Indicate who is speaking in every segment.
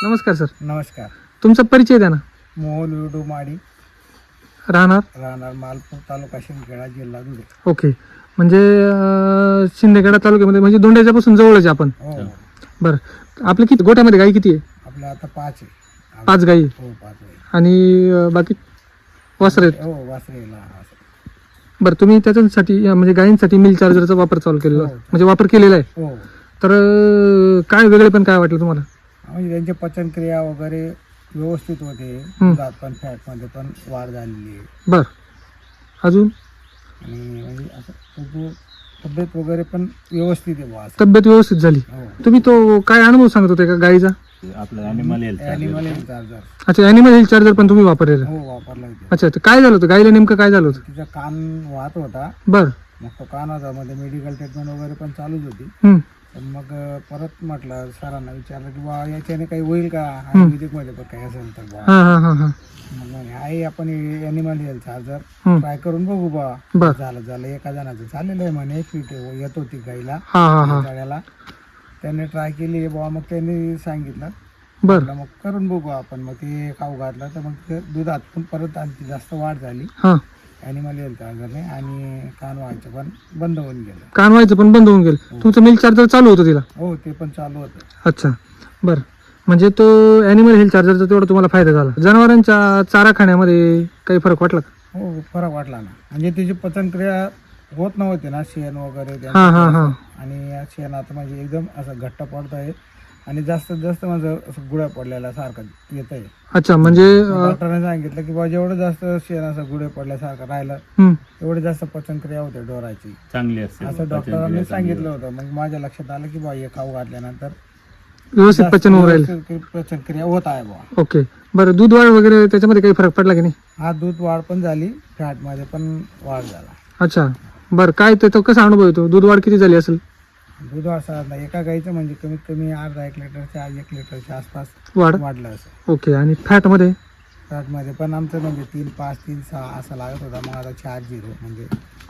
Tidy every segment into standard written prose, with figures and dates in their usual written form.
Speaker 1: नमस्कार सर.
Speaker 2: नमस्कार.
Speaker 1: तुमचा परिचय द्या ना.
Speaker 2: मोहन विडू माडी,
Speaker 1: राहणार
Speaker 2: मालपूर, तालुका शिंदखेडा, जिल्हा धुळे.
Speaker 1: ओके. म्हणजे शिंदखेडा तालुक्यामध्ये म्हणजे दोंड्याच्या पासून जवळच आहे आपण.
Speaker 2: हो.
Speaker 1: बरं, आपल्या किती गोट्यामध्ये गाई किती आहे?
Speaker 2: आपल्या आता 5 आहे.
Speaker 1: 5 गाई आहे.
Speaker 2: हो, 5 आहे.
Speaker 1: आणि बाकी वासरे आहेत.
Speaker 2: हो, वासरेला.
Speaker 1: बरं, तुम्ही त्याच्यासाठी म्हणजे गायींसाठी मिल चार्जरचा वापर चालू केलेला
Speaker 2: हो.
Speaker 1: म्हणजे वापर केलेला आहे.
Speaker 2: हो.
Speaker 1: तर काय वेगळे पण काय वाटलं तुम्हाला?
Speaker 2: म्हणजे त्यांची पचनक्रिया वगैरे व्यवस्थित होते. दुधात पण फॅटमध्ये पण वाढ झालेली आहे.
Speaker 1: बरं, अजून
Speaker 2: आणि म्हणजे असं तब्येत वगैरे पण व्यवस्थित आहे बुवा असं.
Speaker 1: तब्येत व्यवस्थित झाली.
Speaker 2: हो.
Speaker 1: तुम्ही तो काय अनुभव सांगत होते का गाईचा?
Speaker 3: आपलं ॲनिमल हेल्थ
Speaker 2: चार्जर.
Speaker 1: अच्छा, ॲनिमल हेल्थ चार्जर पण तुम्ही वापरलेला?
Speaker 2: हो, वापरला होता.
Speaker 1: अच्छा, तर काय झालं होतं गाईला, नेमकं काय झालं होतं?
Speaker 2: तिचा कान वाहत होता.
Speaker 1: बरं.
Speaker 2: मग तो कानाचा मध्ये मेडिकल ट्रीटमेंट वगैरे पण चालूच होती.
Speaker 1: हम्म.
Speaker 2: पण मग परत म्हटलं सरांना विचारलं की बा याच्याने काही होईल का आयुर्वेदिक मध्ये पण काही असेल तर बा.
Speaker 1: हा हा हा हा.
Speaker 2: मग म्हणे आहे आपण ॲनिमल हेल्थ चार्जर
Speaker 1: हम्म.
Speaker 2: ट्राय करून बघू बा.
Speaker 1: बर.
Speaker 2: झालं एका जणाचं झालेलं आहे म्हणे. फिट येत होती गाईला
Speaker 1: हा हा हा.
Speaker 2: गाड्याला. त्याने ट्राय केली बा. मग त्यांनी सांगितलं
Speaker 1: बर.
Speaker 2: म्हटलं मग करून बघू आपण. मग ते खाऊ घातलं तर मग ते दुधात पण परत आणखी जास्त वाढ झाली
Speaker 1: हा.
Speaker 2: ॲनिमल हेल्थ चार्जरने. आणि कान व्हायचं पण बंद होऊन गेलं.
Speaker 1: कान व्हायचं पण बंद होऊन गेलं. तुमचं मिल्क चार्जर चालू होतं तिला?
Speaker 2: हो, ते पण चालू होतं.
Speaker 1: अच्छा, बरं. म्हणजे तो ॲनिमल हेल्थ चार्जरचा तेवढा तुम्हाला फायदा झाला. जनावरांच्या चारा खाण्यामध्ये काही फरक वाटला का?
Speaker 2: हो, फरक वाटला ना. म्हणजे त्याची पचनक्रिया होत नव्हती ना, शेण वगैरे त्यांचं.
Speaker 1: हा हा हा.
Speaker 2: आणि या शेणात म्हणजे एकदम असं घट्ट पडत आहे. आणि जास्तीत जास्त माझं असं गुळ्या पडलेल्या सारखं येत आहे.
Speaker 1: अच्छा, म्हणजे
Speaker 2: डॉक्टरांनी सांगितलं की बा जेवढं जास्त शेण असं गुळे पडल्यासारखं राहिलं तेवढी जास्त पचनक्रिया होते डोराची,
Speaker 3: चांगली असते
Speaker 2: असं डॉक्टरांनी सांगितलं होतं. मग माझ्या लक्षात आलं की बा हे खाऊ घातल्यानंतर
Speaker 1: व्यवस्थित पचन होऊ राहील.
Speaker 2: पचनक्रिया होत आहे बा.
Speaker 1: ओके. बरं, दूध वाढ वगैरे त्याच्यामध्ये काही फरक पडला की नाही?
Speaker 2: हा, दूध वाढ पण झाली, फॅट मध्ये पण वाढ झाला.
Speaker 1: अच्छा, बरं. काय तो कसा अनुभव येतो? दूध वाढ किती झाली असेल?
Speaker 2: दूध असं एका गाईचं म्हणजे कमीत कमी अर्धा 1 लिटरच्या 1 लिटरच्या आसपास
Speaker 1: वाढ
Speaker 2: वाढलं असं.
Speaker 1: ओके. आणि फॅटमध्ये?
Speaker 2: फॅटमध्ये पण आमचं म्हणजे 3.5 3.6 असा लागत होता. मग आता 4.0 म्हणजे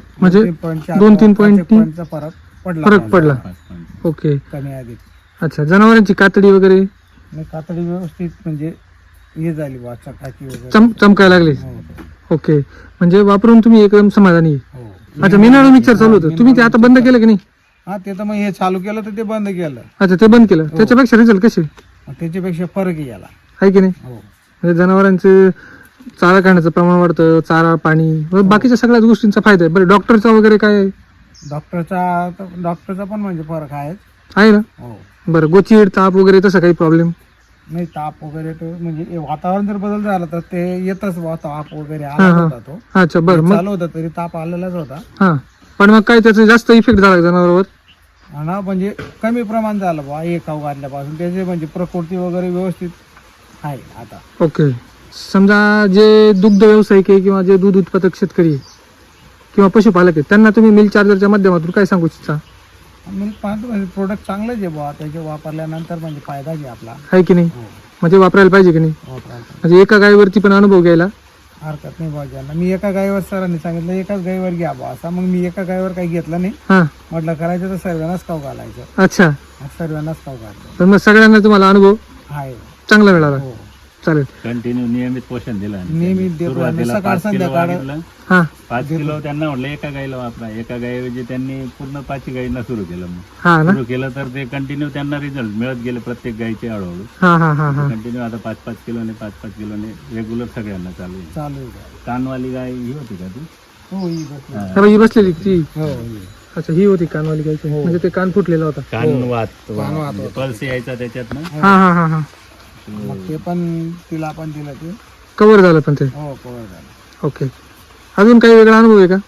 Speaker 1: 2-3
Speaker 2: चा फरक
Speaker 1: पडला. ओके.
Speaker 2: कमी अधिक.
Speaker 1: अच्छा, जनावरांची कातडी वगैरे?
Speaker 2: कातडी व्यवस्थित म्हणजे हे झाली बा, चकाकी वगैरे
Speaker 1: चमकायला लागली.
Speaker 2: हो.
Speaker 1: ओके. म्हणजे वापरून तुम्ही एकदम समाधानी आहे.
Speaker 2: हो.
Speaker 1: अच्छा, मिनरल मिक्सर चालू होतं, तुम्ही ते आता बंद केलं की नाही?
Speaker 2: हा, ते तर मग हे चालू केलं तर ते बंद केलं.
Speaker 1: अच्छा, ते बंद केलं. त्याच्यापेक्षा रिझल्ट कसे
Speaker 2: मग त्याच्यापेक्षा फरक याला.
Speaker 1: आहे की नाही?
Speaker 2: हो.
Speaker 1: म्हणजे जनावरांचे चारा खाण्याचं प्रमाण वाढतं, चारा, पाणी, बाकीच्या सगळ्याच गोष्टींचा फायदा आहे. बरं, डॉक्टरचा वगैरे काय आहे?
Speaker 2: डॉक्टरचा पण म्हणजे फरक
Speaker 1: आहे ना?
Speaker 2: हो.
Speaker 1: बरं, गोचीड, ताप वगैरे तसं काही प्रॉब्लेम
Speaker 2: नाही? ताप वगैरे तो म्हणजे वातावरण जर बदल झाला तर ते येतच बा. ताप वगैरे आला होता तो.
Speaker 1: अच्छा, बरं. मग
Speaker 2: चालू होता तरी ताप आलेलाच होता.
Speaker 1: हा, पण मग काय त्याचा जास्त इफेक्ट झाला जनावरांवर?
Speaker 2: ना, म्हणजे कमी प्रमाण झालं बा हे खाऊ घातल्यापासून. त्याचे म्हणजे प्रकृती वगैरे व्यवस्थित आहे आता.
Speaker 1: ओके. समजा जे दुग्ध व्यावसायिक आहे किंवा जे दूध उत्पादक शेतकरी आहे किंवा पशुपालक आहेत, त्यांना तुम्ही मिल्क चार्जरच्या माध्यमातून काय सांगू इच्छिता?
Speaker 2: म्हणजे पाहतो म्हणजे प्रोडक्ट चांगलंच आहे बुवा. त्याचे वापरल्यानंतर म्हणजे फायदा घे आपला.
Speaker 1: आहे की नाही?
Speaker 2: हो,
Speaker 1: म्हणजे वापरायला पाहिजे की नाही?
Speaker 2: वापरायला
Speaker 1: म्हणजे एका गायीवरती पण अनुभव घ्यायला
Speaker 2: हरकत नाही बुवा. ज्यांना मी एका गायीवर सरांनी सांगितलं एकाच गायीवर घ्या बुवा असा. मग मी एका गायीवर काही घेतलं नाही.
Speaker 1: हा.
Speaker 2: म्हटलं करायचं तर सर्वांनाच खाऊ घालायचं.
Speaker 1: अच्छा,
Speaker 2: सर्वांनाच खाऊ घालायचं
Speaker 1: तर मग सगळ्यांना तुम्हाला अनुभव
Speaker 2: आहे.
Speaker 1: चांगला मिळाला.
Speaker 2: हो,
Speaker 1: चालेल.
Speaker 3: कंटिन्यू नियमित पोषण दिलं.
Speaker 2: नेहमी देतो.
Speaker 3: सुरुवातीला
Speaker 2: सकाळ
Speaker 3: 5 किलो
Speaker 2: संध्याकाळ.
Speaker 3: मागितलं.
Speaker 1: हा
Speaker 3: 5 किलो त्यांना म्हटलं एका गाईला वापरा. एका गाईऐवजी त्यांनी पूर्ण 5 गाईंना सुरू केलं. मग
Speaker 1: हा ना?
Speaker 3: सुरू केलं तर ते कंटिन्यू त्यांना रिझल्ट मिळत गेले प्रत्येक गाईचे हळूहळू.
Speaker 1: हा हा हा हा.
Speaker 3: कंटिन्यू आता 5-5 किलोने 5-5 किलोने रेग्युलर सगळ्यांना चालू आहे.
Speaker 2: चालू आहे.
Speaker 3: कानवाली गाय ही होती का ती?
Speaker 2: हो, ही बसली.
Speaker 1: हा, ही बसलेली ती?
Speaker 2: हो,
Speaker 1: अच्छा, ही होती कानवाली गायची. म्हणजे ते कान फुटलेला होता.
Speaker 3: कानवात
Speaker 2: होता.
Speaker 3: पल्स यायचा त्याच्यात ना.
Speaker 1: हा हा हा हा.
Speaker 2: मग ते पण तिला पण दिलं ते.
Speaker 1: कव्हर झालं पण ते?
Speaker 2: हो, कव्हर झालं.
Speaker 1: ओके. अजून काही वेगळा अनुभव आहे का?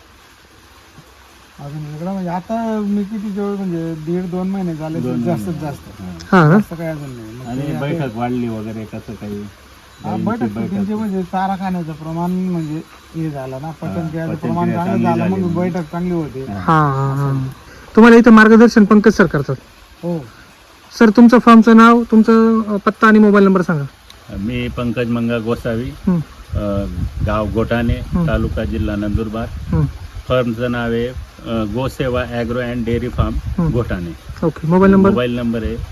Speaker 2: अजून वेगळं म्हणजे आता मी किती जवळ म्हणजे 1.5-2 महिने झाले जास्तीत जास्त.
Speaker 1: हा ना?
Speaker 2: जास्त काय अजून नाही. मग
Speaker 3: आणि बैठक वाढली वगैरे कसं काही?
Speaker 2: बैठक त्यांचे म्हणजे चारा खाण्याचं प्रमाण म्हणजे हे झालं ना, पचनक्रियाचं प्रमाण चांगलं झालं. मग बैठक चांगली होते.
Speaker 1: हा हा हा. तुम्हाला इथं मार्गदर्शन पंकज सर करतात.
Speaker 2: हो.
Speaker 1: सर, तुमचं फॉर्मचं नाव, तुमचं पत्ता आणि मोबाईल नंबर सांगा.
Speaker 3: मी पंकज मंगा गोसावी, गाव गोटाणे, तालुका जिल्हा नंदुरबार. फर्मचं नाव आहे Gosewa agro and dairy farm Ghotane.
Speaker 1: Okay. Mobile number?
Speaker 3: Mobile number आहे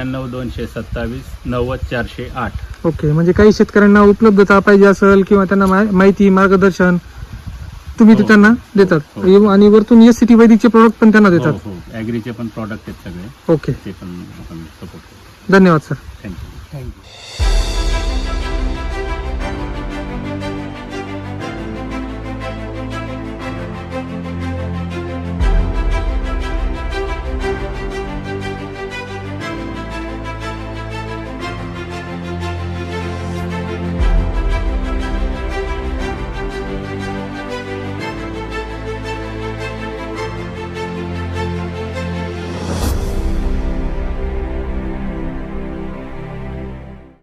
Speaker 3: 94-227-90-408.
Speaker 1: ओके. म्हणजे काही शेतकऱ्यांना उपलब्धता पाहिजे असेल किंवा त्यांना माहिती मार्गदर्शन तुम्ही ते
Speaker 3: हो.
Speaker 1: त्यांना देतात.
Speaker 3: हो.
Speaker 1: आणि वरतून SCT वैदिकचे प्रोडक्ट पण त्यांना देतात.
Speaker 3: हो, ॲग्रीचे पण प्रॉडक्ट आहेत सगळे,
Speaker 1: ओके.
Speaker 3: ते पण आपण सपोर्ट करतो.
Speaker 1: धन्यवाद सर.
Speaker 3: थँक्यू.
Speaker 2: थँक्यू.